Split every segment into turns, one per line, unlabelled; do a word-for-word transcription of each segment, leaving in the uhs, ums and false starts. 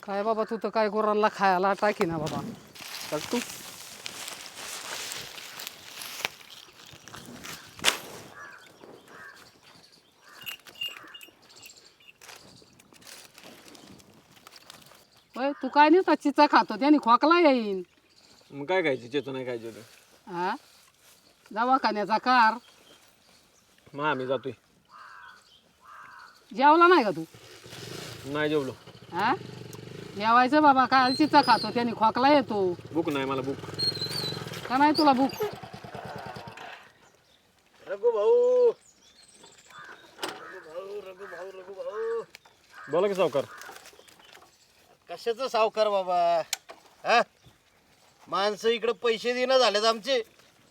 काय बाबा तू तर काय गुरांना खायला टाकी ना बाबा.
टाक तू.
होय तू काय नाही चिचा खातो त्याने खोकला येईन.
मग काय खायची चेतो नाही खायची होतं.
हा दवाखान्याचा कार.
मग आम्ही जातोय.
जेवला नाही का तू?
नाही जेवलो.
हा जेवायचं बाबा काय चिचा खातो त्याने खोकला येतो.
भूक नाही मला भूक.
का नाही तुला भूक?
रघु भाऊ रघु भाऊ रघु भाऊ रघु भाऊ
बोला की सावकार.
कशाचं सावकार बाबा हा माणसं इकडे पैसे देणं झालेत आमचे.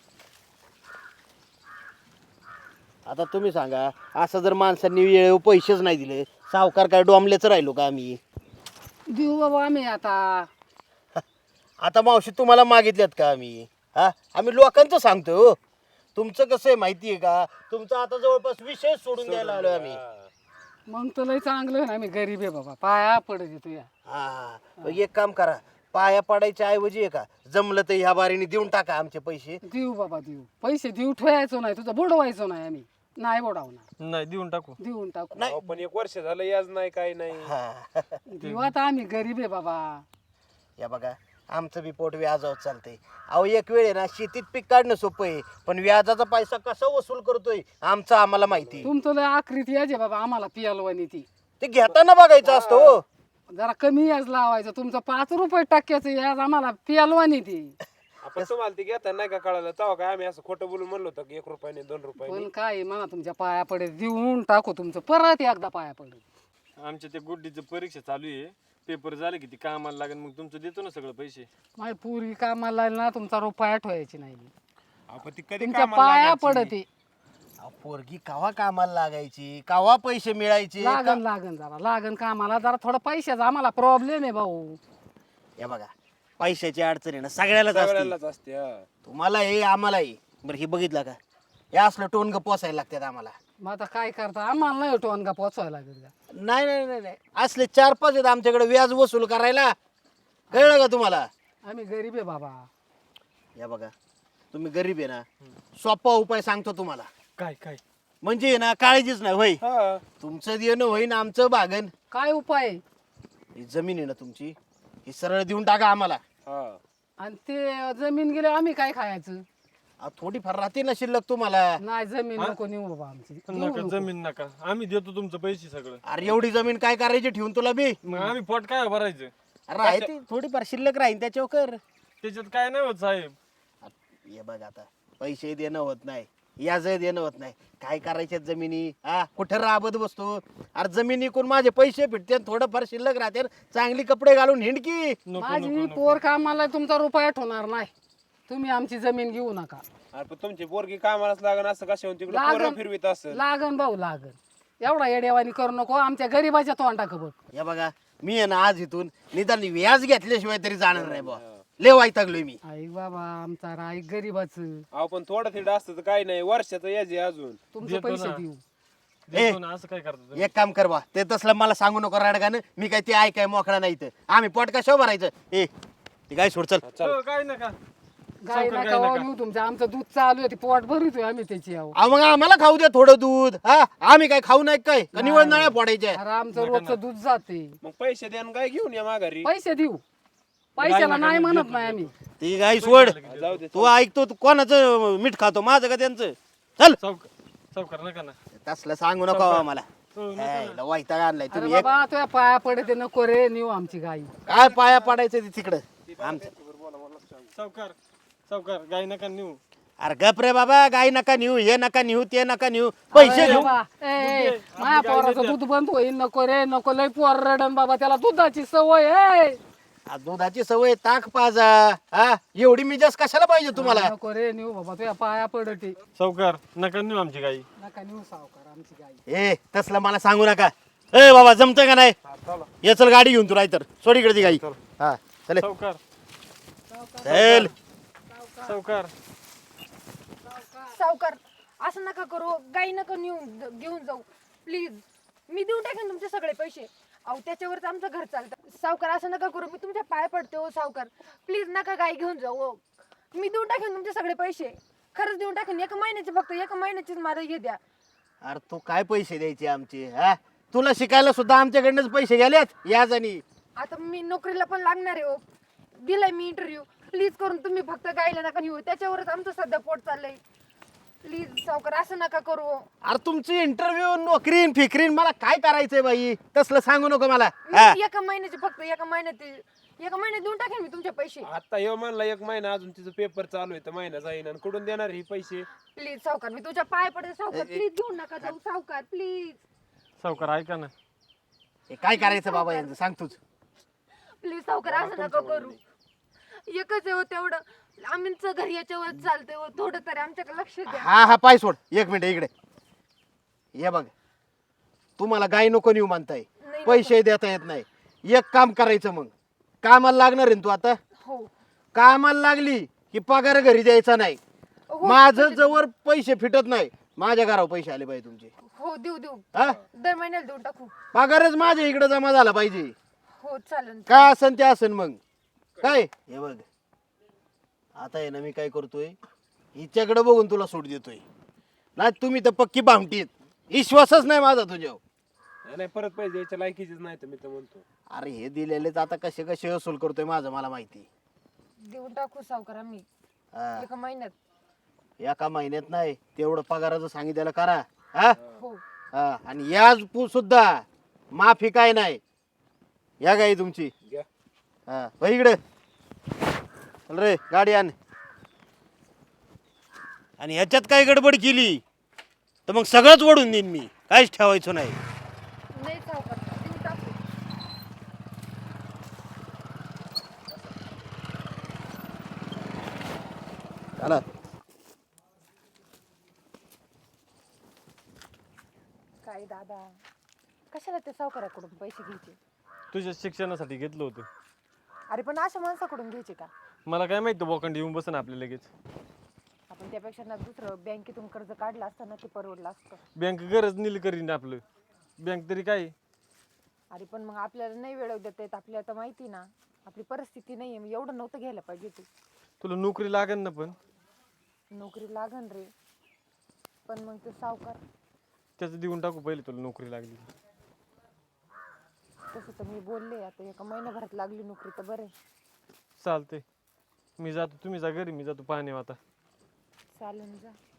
आता तुम्ही सांगा असं जर माणसांनी वेळेवर पैसेच नाही दिले सावकार काय डोंबलेच राहिलो का आम्ही?
देऊ बाबा आम्ही आता.
आता मावशी तुम्हाला मागितल्यात का आम्ही? हा आम्ही लोकांचं सांगतो हो. तुमचं कसं आहे माहिती आहे का? तुमचं आता जवळपास विषय सोडून द्यायला आलो आम्ही.
मग तर लय चांगलं आहे ना. आम्ही गरीब आहे बाबा पाया पडत तुया.
हा मग एक काम करा पाया पडायच्या ऐवजी आहे का जमलं तर ह्या बारीने देऊन टाका आमचे पैसे.
देऊ बाबा देऊ पैसे देऊ ठेवायचो नाही तुझं बुडवायचो नाही आम्ही. नाही बुडवणार
नाही देऊन टाकू.
देऊन टाकू.
नाही.
पण एक वर्ष झालं याज नाही काही नाही.
हा
देऊ आता आम्ही गरीब आहे बाबा.
या बघा आमचं बी पोट व्याजावर चालतंय. अहो एक वेळ आहे ना शेतीत पीक काढणं सोपं आहे पण व्याजाचा पैसा कसा वसूल करतोय आमचं आम्हाला माहिती आहे.
तुमचं लय आखरीत यायचे बाबा आम्हाला पियालवानी ती.
ते घेताना बघायचं असतं हो.
जरा कमी याज लावायचं. तुमचं पाच रुपये टक्क्याचं याज आम्हाला पियालवानी ती.
आपण तुम्हाला ते घेता नाही का कळालं तेव्हा काय आम्ही असं खोटं बोलून म्हणलो होतं की एक रुपयाने दोन रुपयाने.
पण काय म्हणा तुमच्या पाया पडे देऊन टाकू तुमचं परत एकदा पाया पडे.
आमच्या ते गुड्डीचं परीक्षा चालू आहे. पेपर झाले की ती कामाला लागेल मग तुमचं देतो ना सगळं पैसे.
माझी पूर्वी कामाला ना तुमचा रुपया ठेवायची नाही.
आपण ती कधी
तुमच्या पाया पडते.
अहो, पोरगी कावा कामाला लागायची कावा पैसे मिळायचे
लागन लागन जरा लागन कामाला जरा थोडं पैशाचा आम्हाला प्रॉब्लेम आहे भाऊ.
या बघा पैशाची अडचण आहे ना सगळ्यालाच असते.
सगळ्यालाच असते. हा.
तुम्हाला हे आम्हालाही बरं हे बघितलं का हे असलं टोनग पोसायला लागतात आम्हाला.
मग आता काय करता आम्हाला नाही टोन का पोचवायला लागेल का?
नाही नाही नाही नाही असले चार पाच आहेत आमच्याकडे व्याज वसूल करायला. कळलं का तुम्हाला?
आम्ही गरीब आहे बाबा.
या बघा तुम्ही गरीब आहे ना सोपा उपाय सांगतो तुम्हाला.
काय काय
म्हणजे आहे ना काळजीच नाही होय.
हा
तुमचं देणं होईन आमचं भागन.
काय उपाय आहे?
ही जमीन आहे ना तुमची ही सरळ देऊन टाका आम्हाला.
हा
आणि ते जमीन गेले आम्ही काय खायचं?
अहो, थोडीफार राहते ना शिल्लक तुम्हाला.
नाही जमीन नको नेऊ बाबा आमची. देऊ
नका
नको.
जमीन नका आम्ही देतो तुमचं पैसे सगळं.
अरे एवढी जमीन काय करायची ठेवून तुला बी?
मग आम्ही पोट काय भरायचं?
अरे आहे ती थोडीफार शिल्लक राहीन त्याच्यावर कर.
त्याच्यात काय नाही होत साहेब.
हे बघ आता पैसे देणं होत नाही याज देणं होत नाही काय करायचे जमिनी हा कुठं राबत बसतो. अरे जमिनी कोण माझे पैसे भेटते थोडंफार शिल्लक राहते चांगली कपडे घालून हिंडकी.
नको
माझी
नको नको.
पोर कामाला तुमचा रुपया ठेवणार नाही. तुम्ही आमची जमीन घेऊ नका.
अरे पण तुमची पोरगी कामालाच लागण असं कशा तिकडे
लागन.
पोरं फिरवीत असेल.
लागन भाऊ लागन एवढा येडेवानी करू नको आमच्या गरीबाच्या तोंडाक बघ.
या बघा मी आहे ना आज इथून निदान व्याज घेतल्याशिवाय तरी जाणार नाही बा. लय वाईटागलोय मी.
आई बाबा आमचा राय गरीबाचं.
अहो पण थोडं थिडं असतं तर काही नाही वर्षाचं याच आहे अजून.
तुमचे पैसे देऊ.
देतो ना असं काय करतो.
एक काम कर बा ते तसलं मला सांगू नको राडगानं. मी काय ते ऐकाय मोकळा नाही तर आम्ही पोट कशावर भरायचं. ए ते काय सोड चल.
हो, काय नका
गाय
सावकार,
नका
गाय
हो
नका.
नेऊ तुमचं आमचं दूध चालू आहे ते पोट भरितोय आम्ही त्याची आहो.
अहो, मग आम्हाला खाऊ द्या थोडं दूध. हा आम्ही काय खाऊ नाही काय का निवड नळ्या फोडायच्या.
अरे आमचं रोजचं दूध जाते.
मग पैसे द्या आणि काय घेऊन या माघारी.
पैसे देऊ पैशाला नाही म्हणत नाही आम्ही.
ती गाय सोड.
जाऊ दे.
तू ऐकतो तू कोणाचं मीठ खातो माझं का त्यांचं. चल
सावकार सावकार नका ना.
तसलं सांगू नको आम्हाला.
हो, नका
हाय,
ना.
लय वैताग आणलाय
अरे
तुम्ही. एक
बाबा तुझ्या पाया पडते नको रे नेऊ आमची गाई.
काय पाया पडायचं ते तिकडं आमचं.
सावकार सावकार गाय नका नेऊ.
अरे गप रे बाबा गाय नका नेऊ हे नका नेऊ ते नका नेऊ पैसे
अरे
घेऊ.
बाबा, ए, ए, माझ्या पोराचं दूध बंद होईल नको रे नको लय पोर रडन बाबा त्याला दुधाची सवय आहे.
आ, दुधाची सवय ताक पाजा. हा एवढी मिजाज कशाला पाहिजे तुम्हाला.
नको रे नेऊ बाबा तुझ्या पाया पडते.
सावकार नका नेऊ आमची गाई.
नका नेऊ सावकार आमची गाई.
ए तसलं मला सांगू नका. ए बाबा जमतंय का नाही. ये चल गाडी घेऊन तू राहतर सोड इकडे ती गाई. हा चल
सावकार
चल.
सावकार
सावकार असं नका करू गाई नका नेऊन घेऊन जाऊ प्लीज. मी देऊन टाकेन तुमचे सगळे पैसे. अहो त्याच्यावरच आमचं घर चालतं. सावकार असं नका करू, मी तुमच्या पाय पडते हो सावकार. प्लीज नका गाई घेऊन जाऊ हो. मी देऊन टाकेन तुमचे सगळे पैसे, खरंच देऊन टाकेन. एका महिन्याचे, फक्त एका महिन्याचीच मला हे द्या.
अरे तू काय पैसे द्यायचे आमचे? हा, तुला शिकायला सुद्धा आमच्याकडनंच पैसे गेलेत याच आणि
आता मी नोकरीला पण लागणार आहे हो. दिलाय मी इंटरव्ह्यू. प्लीज करून तुम्ही फक्त गाईला नका नेऊ, त्याच्यावरच आमचं सध्या पोट चाललंय. प्लीज सावकार असं नका करू हो.
अरे तुमची इंटरव्ह्यू नोकरीन फिकरीन मला काय करायचंय बाई? तसलं सांगू नको मला. हा.
मी एका महिन्याचे, फक्त एका महिन्यात एका महिन्यात देऊन टाकेन मी तुमचे पैसे.
आता येऊ म्हणला एक महिना, अजून तिचं पेपर चालू आहे तर महिना जाईन आणि कुठून देणार हे पैसे?
प्लीज सावकार, मी तुझ्या पाय पडते सावकार. प्लीज घेऊन नका जाऊ सावकार, प्लीज.
सावकार ऐका ना,
हे काय करायचं बाबा यांचं सांग तूच.
प्लीज सावकार असं नका करू. एकच आहे हो तेवढं, आमचं घर याच्यावर चालतंय हो. थोडं तरी आमच्याकडे लक्ष द्या.
हा हा पाय सोड एक मिनिट इकडे ये बघ. तुम्हाला गाय नको नेऊ म्हणताय,
नाही
पैसे देता येत नाही. एक काम करायचं, मग कामाला लागणार आहे ना तू आता.
हो
कामाला लागली की पगार घरी द्यायचा नाही.
हो
माझं जवळ पैसे फिटत नाही, माझ्या घरावर पैसे आले पाहिजे तुमचे.
हो देऊ देऊ,
हा,
दर महिन्याला देऊन टाकू.
पगारच माझ्या इकडे जमा झाला पाहिजे.
हो चालेल.
काय असन ते असन. मग काय हे बघ, आता आहे ना मी काय करतोय, हिच्याकडे बघून तुला सूट देतोय. नाही तुम्ही तर पक्की भामटीत, विश्वासच नाही माझा तुझ्यावर.
नाही, नाही परत पैसे द्यायच्या लायकीचीच नाही तर मी तर म्हणतो.
अरे हे दिलेलेच आता कसे कसे वसूल करतोय माझं मला माहिती.
देऊन टाकू सावकार आम्ही
हा,
एका महिन्यात.
एका महिन्यात नाही, तेवढं पगाराचं सांगितलेलं करा. हा
हो
हा, आणि याज पू सुद्धा माफी काय नाही. या गाई तुमची.
घ्या.
हा हो इकडे चल रे, गाडी आण. आणि ह्याच्यात काय गडबड केली तर मग सगळंच ओढून देईन मी, काहीच ठेवायचं नाही.
नाही सावकार, देऊन टाकू.
चला.
काय दादा, कशाला ते सावकाराकडून पैसे घ्यायचे?
तुझ्या शिक्षणासाठी घेतलं होतं.
अरे पण अशा माणसाकडून घ्यायचे का?
मला काय माहिती बोकांड येऊन बसन आपल्या लगेच.
आपण त्यापेक्षा ना दुसरं बँकेतून कर्ज काढलं असतं ना, ते परवडलं असतं.
बँक गरज नील करीन आपलं, बँक तरी काय.
अरे पण मग आपल्याला नाही वेळ देता येत, आपल्याला तर माहिती ना आपली परिस्थिती नाहीये. मग एवढं नव्हतं घ्यायला पाहिजे तू.
तुला नोकरी लागेल ना, पण
नोकरी लागन रे, पण मग ते सावकार.
त्याचं देऊन टाकू पहिले तुला नोकरी लागली.
तसं तर मी बोलले, आता एका महिन्याभरात लागली नोकरी तर बरं आहे.
चालते, मी जातो, तुम्ही जा घरी, मी जातो पाणी आता.
चालेल जा.